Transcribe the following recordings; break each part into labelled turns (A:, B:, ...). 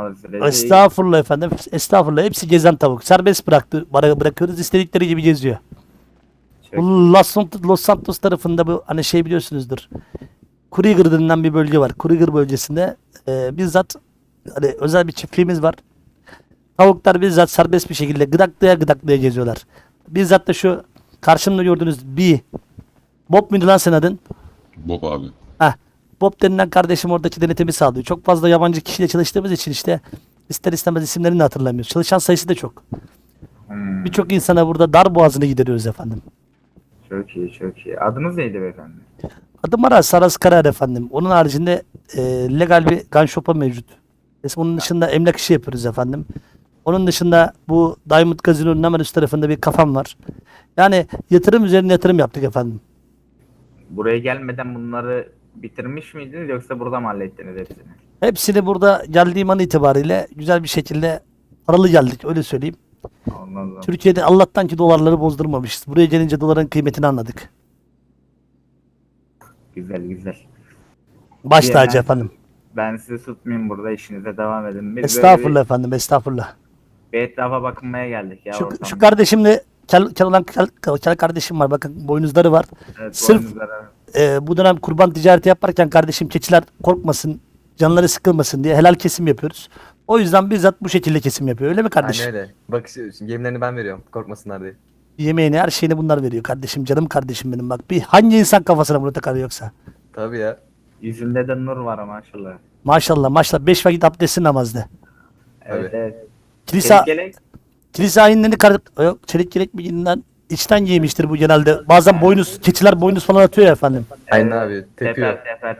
A: olmadığı sürece
B: Estağfurullah efendim. Estağfurullah. Hepsi gezen tavuk. Serbest bırakıyoruz. İstedikleri gibi geziyor.
A: çok iyi.
B: Bu Los Santos tarafında bu hani şey biliyorsunuzdur. Kruger denilen bir bölge var. Kruger bölgesinde bizzat hani özel bir çiftliğimiz var. Tavuklar bizzat serbest bir şekilde gıdaklaya geziyorlar. Bizzat da şu karşımda gördüğünüz bir Bob muydu lan senin adın?
C: Bob abi.
B: Heh. Bob denilen kardeşim oradaki denetimi sağlıyor. Çok fazla yabancı kişiyle çalıştığımız için işte ister istemez isimlerini de hatırlamıyoruz. Çalışan sayısı da çok.
A: Hmm,
B: Birçok insana burada dar boğazını gideriyoruz efendim.
A: çok iyi, çok iyi. Adınız neydi beyefendi?
B: Adım Aras, Saras Karar efendim. Onun haricinde legal bir gun shop'a mevcut. Onun dışında emlak işi yapıyoruz efendim. Onun dışında bu Diamond Gazino'nun hemen üst tarafında bir kafam var. Yani yatırım üzerine yatırım yaptık efendim.
A: Buraya gelmeden bunları bitirmiş miydiniz yoksa burada mı hallettiniz hepsini?
B: Hepsini burada geldiğim an itibariyle güzel bir şekilde paralı geldik öyle söyleyeyim.
A: Anladım.
B: Türkiye'de Allah'tan ki dolarları bozdurmamışız. Buraya gelince doların kıymetini anladık.
A: Güzel güzel.
B: Baş
A: Bir
B: tacı
A: hemen-
B: efendim.
A: Ben sizi tutmayayım burada, işinize devam edin. Biz
B: Estağfurullah efendim, estağfurullah.
A: bir etrafa bakınmaya geldik ya
B: Şu
A: ortamda.
B: kardeşimle kel kardeşim var. Bakın boynuzları var.
A: Evet,
B: sırf-
A: boynuzlara-
B: Bu dönem kurban ticareti yaparken kardeşim keçiler korkmasın, canları sıkılmasın diye helal kesim yapıyoruz. O yüzden bizzat bu şekilde kesim yapıyor. Öyle mi kardeşim?
D: Aynen öyle. Bak şimdi yemlerini ben veriyorum. Korkmasınlar diye.
B: Yemeğini, her şeyini bunlar veriyor kardeşim. Canım kardeşim benim bak. Bir hangi insan kafasına bunu takar yoksa?
D: Tabii ya.
A: Yüzünde de nur var maşallah.
B: Maşallah maşallah. 5 vakit abdesti namazdı.
A: Evet
D: Tabii.
A: evet.
B: Kilise,
A: Gelek.
B: kilise ayinlerini yok, çelik yelek bilginden içten giymiştir bu genelde. Bazen boynuz, keçiler boynuz falan atıyor ya efendim.
D: Aynen abi. Tepiyor.
A: Teper teper.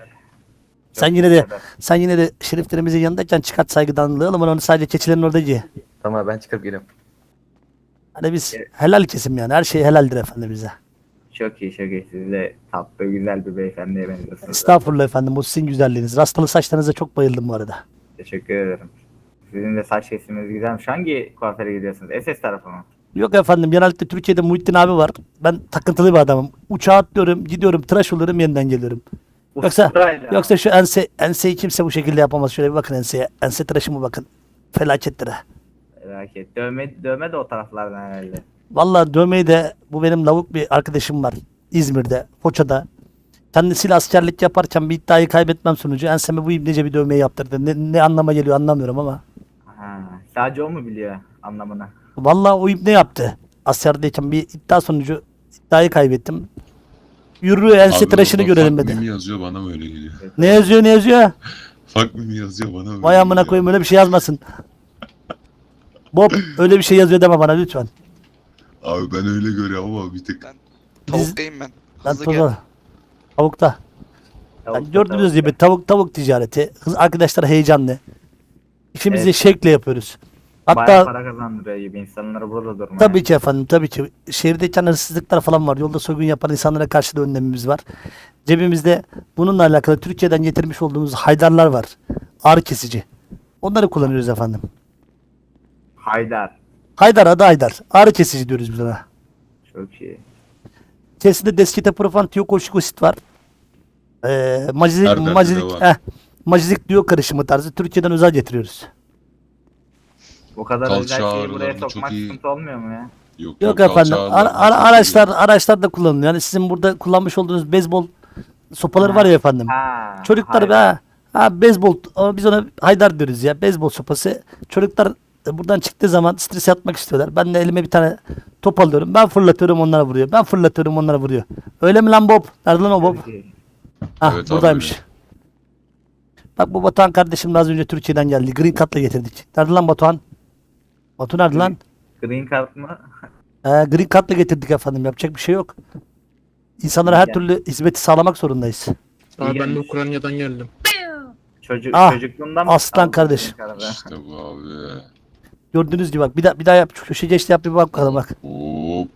B: Sen yine de şeriflerimizin yanındayken çıkart saygıdanlığı ama onu sadece keçilerin orada giy.
D: Tamam abi, ben çıkıp geliyorum.
B: Hani biz helal kesim yani. Her şey helaldir efendim bize.
A: Çok iyi çok iyi. Siz de tatlı güzel bir beyefendiye benziyorsunuz.
B: Estağfurullah efendim. Bu sizin güzelliğiniz. Rastalı saçlarınıza çok bayıldım bu arada.
A: Teşekkür ederim. Sizin de saç kesiminiz güzelmiş. Hangi kuaföre gidiyorsunuz? SS tarafı mı?
B: Yok efendim. Genellikle Türkiye'de Muhittin abi var. Ben takıntılı bir adamım. Uçağa atlıyorum. Gidiyorum. Tıraş oluyorum. Yeniden geliyorum.
A: Usturayla.
B: Yoksa şu enseyi kimse bu şekilde yapamaz. Şöyle bir bakın enseye. Ense tıraşıma bakın. Felakettir ha.
A: Merak et. Dövme de o taraflardan herhalde.
B: Vallahi dövmeyi de bu benim lavuk bir arkadaşım var. İzmir'de. Foça'da. Kendisiyle askerlik yaparken bir iddiayı kaybetmem sonucu enseme bu ibnece bir dövmeyi yaptırdı. Ne anlama geliyor anlamıyorum ama.
A: Ha, sadece o mu biliyor anlamını?
B: Vallahi o ibne yaptı. Askerdeyken bir iddia sonucu iddiayı kaybettim. Yürü ense
C: Abi
B: tıraşını
C: orada
B: görelim
C: fuck
B: dedi.
C: me mi yazıyor bana mı öyle geliyor?
B: Ne yazıyor ne yazıyor?
C: Fuck me mi yazıyor bana mı
B: Vay
C: öyle
B: amına
C: geliyor?
B: koyayım öyle bir şey yazmasın. Bob öyle bir şey yazıyor deme bana lütfen.
C: Abi ben öyle görüyorum ama bir tık.
E: Ben tavuktayım ben.
B: Ben
E: Hızlı gel.
B: toza. Tavukta. Yani gördüğünüz gibi tavuk ticareti. Kız arkadaşlar heyecanlı. İşimizi
A: Evet.
B: şevkle yapıyoruz.
A: Bayağı
B: Hatta
A: para kazandırıyor gibi insanları burada durmaya.
B: tabii ki efendim tabii ki. Şehirdeyken hırsızlıklar falan var. Yolda soygun yapan insanlara karşı da önlemimiz var. Cebimizde bununla alakalı Türkiye'den getirmiş olduğumuz haydarlar var. Ağrı kesici. Onları kullanıyoruz efendim.
A: Haydar.
B: Haydar adı Haydar. Ağrı kesici diyoruz biz ona.
A: Çok iyi.
B: İçerisinde Desketoprofan tiyokoşikosit var. Macizik,
C: Her derde
B: macizik,
C: deva.
B: macizik diyor karışımı tarzı. Türkiye'den özel getiriyoruz.
A: Bu kadar
C: Kalça
A: özel şeyi buraya
C: ağrılarında
A: sokmak
C: çok iyi.
A: sıkıntı olmuyor mu ya?
C: Yok
B: Yok
C: kalça
B: efendim.
C: ağrılarında çok iyi.
B: Araçlar da kullanılıyor. Yani sizin burada kullanmış olduğunuz beyzbol sopaları
A: Ha.
B: var ya efendim.
A: Ha.
B: Çocuklar
A: Haydar.
B: beyzbol ama biz ona haydar diyoruz ya. Beyzbol sopası. Çocuklar buradan çıktığı zaman stres atmak istiyorlar. Ben de elime bir tane top alıyorum. Ben fırlatıyorum onlara vuruyor. Ben fırlatıyorum onlara vuruyor. Öyle mi lan Bob? Nerede lan o Bob?
A: Çok iyi.
B: Ah
C: Evet abi,
B: buradaymış.
C: öyle.
B: Bak bu Batuhan kardeşim de az önce Türkiye'den geldi. Green Card'la getirdik. Nerede lan Batuhan? Batu nerede lan?
A: Green card mı?
B: Green Card'la getirdik efendim. Yapacak bir şey yok. İnsanlara her
A: Yani.
B: türlü hizmeti sağlamak zorundayız.
F: Abi ben de
A: gelmiş.
F: Ukrayna'dan geldim.
A: Çocukluğundan mı?
B: aslan
A: aldın
B: kardeş.
A: Green card'ı?
C: İşte bu abi.
B: Gördüğünüz gibi bak bir daha yap. Şu köşe geçti yap bir bak bakalım bak.
C: Hop.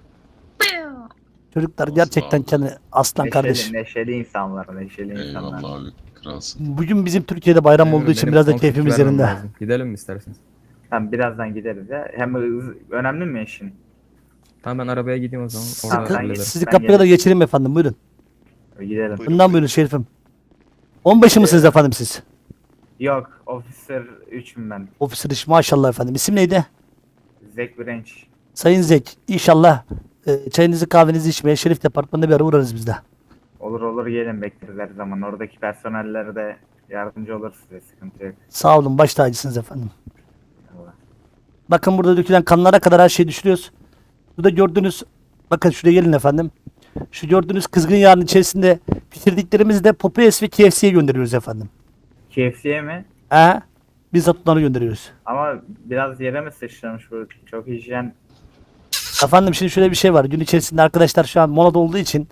B: Çocuklar gerçekten kendi aslan kardeş.
A: Neşeli insanlar, neşeli insanlar.
C: Eyvallah abi. Kralsın.
B: Bugün bizim Türkiye'de bayram olduğu için
D: Benim
B: biraz da
D: konflik
B: keyfimiz
D: vermem
B: yerinde.
D: lazım. Gidelim mi isterseniz?
A: Tamam birazdan gideriz ya. Hem önemli mi işin?
D: Tamam, ben arabaya gideyim o zaman.
B: Sizi,
D: Orada
A: ben
D: hallederim.
B: sizi
A: Ben
B: kapıya da
A: gelirim.
B: geçireyim efendim buyurun.
A: Gidelim.
E: Buyurun.
B: Bundan buyurun şerifim. 15'i mısınız efendim siz?
A: Yok Officer 3'üm ben.
B: Officer iş maşallah efendim. İsim neydi?
A: Zack Branch.
B: Sayın Zek. İnşallah çayınızı kahvenizi içmeye Şerif Departmanı'nda bir ara uğrarız biz de.
A: Olur olur gelin bekleriz her zaman. Oradaki personellere de yardımcı olur size. Sıkıntı yok.
B: Sağ olun, baş tacısınız efendim.
A: Allah.
B: Bakın burada dökülen kanlara kadar her şeyi düşürüyoruz. Burada gördüğünüz, bakın şuraya gelin efendim. Şu gördüğünüz kızgın yağın içerisinde pişirdiklerimizi de Popeyes ve KFC'ye gönderiyoruz efendim.
A: KFC'ye mi?
B: Bizzat onları gönderiyoruz.
A: Ama biraz yere mi sıçramış bu? Çok hijyen.
B: Efendim şimdi şöyle bir şey var. Gün içerisinde arkadaşlar şu an molada olduğu için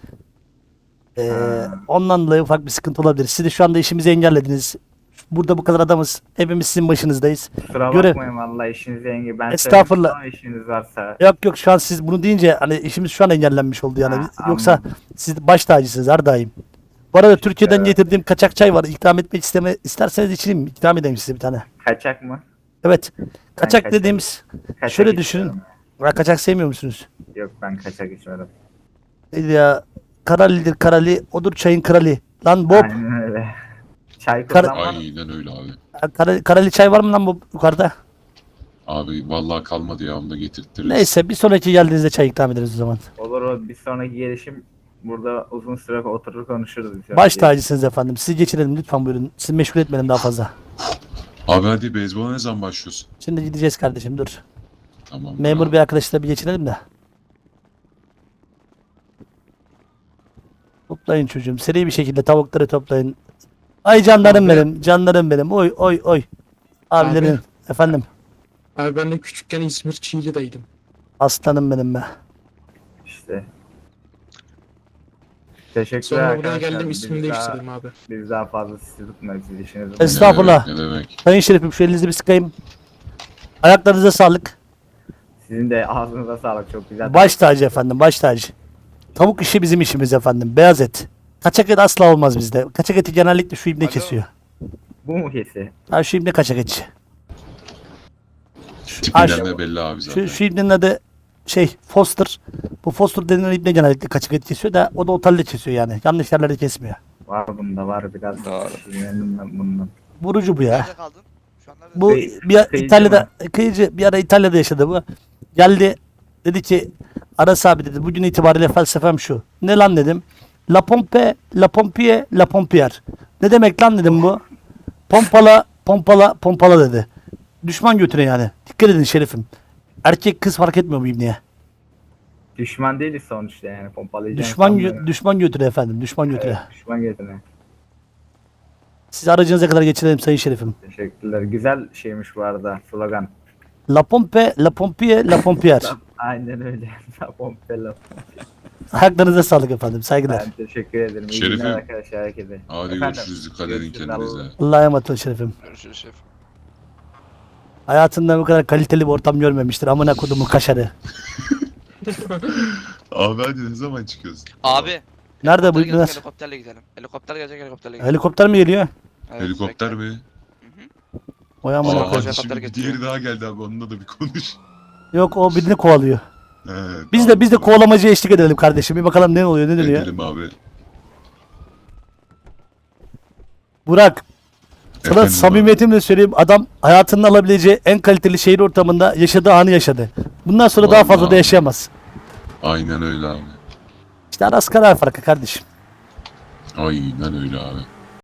B: ondan dolayı ufak bir sıkıntı olabilir. Siz de şu anda işimizi engellediniz. Burada bu kadar adamız. Hepimiz sizin başınızdayız.
A: Kusura
B: Görev-
A: bakmayın vallahi işinize engel. Ben
B: Estağfurullah.
A: söylemiştim ama işiniz varsa.
B: Yok şu an siz bunu deyince hani işimiz şu an engellenmiş oldu yani.
A: Ha,
B: Yoksa
A: anladım.
B: siz baş tacısınız her daim. Bu arada Türkiye'den
A: Evet.
B: getirdiğim kaçak çay var. İkram etmek isterseniz içeyim mi? İkram edeyim size bir tane.
A: Kaçak mı?
B: Evet. Kaçak
A: kaçak-
B: dediğimiz
A: Kaçak
B: şöyle düşünün.
A: içmiyorum.
B: Kaçak sevmiyor musunuz?
A: Yok ben kaçak içmiyorum.
B: Neydi ya? Karalidir karali, odur çayın krali. Lan Bob,
A: Aynen öyle. Çay
B: Kar-
A: kullanmam.
C: Aynen öyle abi.
B: karali çay var mı lan bu yukarıda?
C: Abi vallahi kalmadı ya, onu da getirtiriz.
B: Neyse bir sonraki geldiğinizde çay ikram ederiz o zaman.
A: Olur o bir sonraki gelişim burada uzun süre oturur konuşuruz. bir sonraki
B: Baş
A: gelişim.
B: tacısınız efendim. Sizi geçirelim lütfen buyurun. Sizi meşgul etmeyelim daha fazla.
C: Abi hadi beyzbola ne zaman başlıyorsun?
B: Şimdi gideceğiz kardeşim dur.
C: Tamam.
B: Memur
C: bravo.
B: bir arkadaşla bir geçirelim de. Toplayın çocuğum. Seri bir şekilde tavukları toplayın. Ay canlarım
E: Abi.
B: benim. Canlarım benim. Oy oy oy. Abilerin.
E: Abi.
B: Efendim.
E: Abi ben de küçükken İzmir Çiğli'deydim.
B: Aslanım benim be.
A: İşte. Teşekkürler
E: Sonra buraya
A: arkadaşlar.
E: geldim
A: Biz
E: ismimi
A: daha-
E: değiştirdim abi.
A: Biz daha fazla sizi tutmayız. Siz işinizi
B: Es-
A: bulun.
B: Estağfurullah.
C: Ne demek?
B: Sayın Şerifim şu elinizi bir sıkayım. Ayaklarınıza sağlık.
A: Sizin de ağzınıza sağlık. Çok güzel.
B: Baş tacı efendim, baş tacı. Tavuk işi bizim işimiz efendim. Beyaz et. Kaçak et asla olmaz bizde. Kaçak eti genellikle şu ibne kesiyor.
A: Bu mu kesi?
B: Ha şu ibne kaçak etçi. Ay,
C: Tipinden de belli abi zaten.
B: Şu ibnenin adı Foster. Bu Foster denilen ibne genellikle kaçak et kesiyor da o da otelde kesiyor yani. Yanlış yerlerde kesmiyor.
A: Var bunda var biraz.
D: Doğru.
A: Sinirlendim ben bundan.
B: Vurucu bu ya.
F: Nerede kaldın? Şu an nerede?
B: Bu bir
A: Kıyıcı
B: İtalya'da kıyıcı bir ara İtalya'da yaşadı bu. Geldi dedi ki Aras abi dedi bugün itibariyle felsefem şu. Ne lan dedim. La pompe, la pompier, la pompier. Ne demek lan dedim bu. Pompala, pompala, pompala dedi. Düşman götüne yani. Dikkat edin şerifim. Erkek kız fark etmiyor bu ibneye.
A: Düşman değiliz sonuçta yani pompalayacağım.
B: Düşman götüne efendim. Düşman götüne.
A: Düşman götüne.
B: Sizi aracınıza kadar geçirelim sayın şerifim.
A: Teşekkürler. Güzel şeymiş bu arada slogan.
B: La pompe, la pompier, la pompier.
A: Aynen öyle. Pompe laf.
B: Ayaklarınıza sağlık efendim. Saygılar.
A: Ben teşekkür ederim. İyi
C: Şerifim.
A: günler arkadaşlar herkese.
C: Hadi
A: Efendim?
C: görüşürüz. Dikkat edin
A: Görüşürüz,
C: kendinize.
B: Allah'a emanet olun şerifim.
F: Görüşürüz şef.
B: Hayatında bu kadar kaliteli bir ortam görmemiştir. Amına kodumun kaşarı.
C: Abi hadi ne zaman çıkıyorsun?
F: Abi.
B: Nerede bu
F: helikopter
B: ibne?
F: gelecek, helikopterle gidelim. Helikopter gelecek, helikopterle gidelim.
B: Helikopter mi geliyor?
F: Evet,
C: Helikopter
F: bekle.
C: mi?
B: Oy amına
C: Aa,
B: koyayım.
C: hadi
F: Helikopter
C: şimdi
F: getiriyor.
C: diğeri daha geldi abi, onunla da bir konuş.
B: Yok o birini kovalıyor.
C: He,
B: Biz
C: tamam,
B: de
C: tamam.
B: kovalamacıya eşlik edelim kardeşim. Bir bakalım ne oluyor ne dönüyor.
C: Edelim abi.
B: Burak. Sana
C: Efendim
B: samimiyetimle söyleyeyim adam hayatının alabileceği en kaliteli şehir ortamında yaşadığı anı yaşadı. Bundan sonra daha fazla da
C: Vallahi.
B: yaşayamaz.
C: Aynen öyle abi.
B: İşte Aras karar farkı kardeşim.
C: Aynen öyle abi.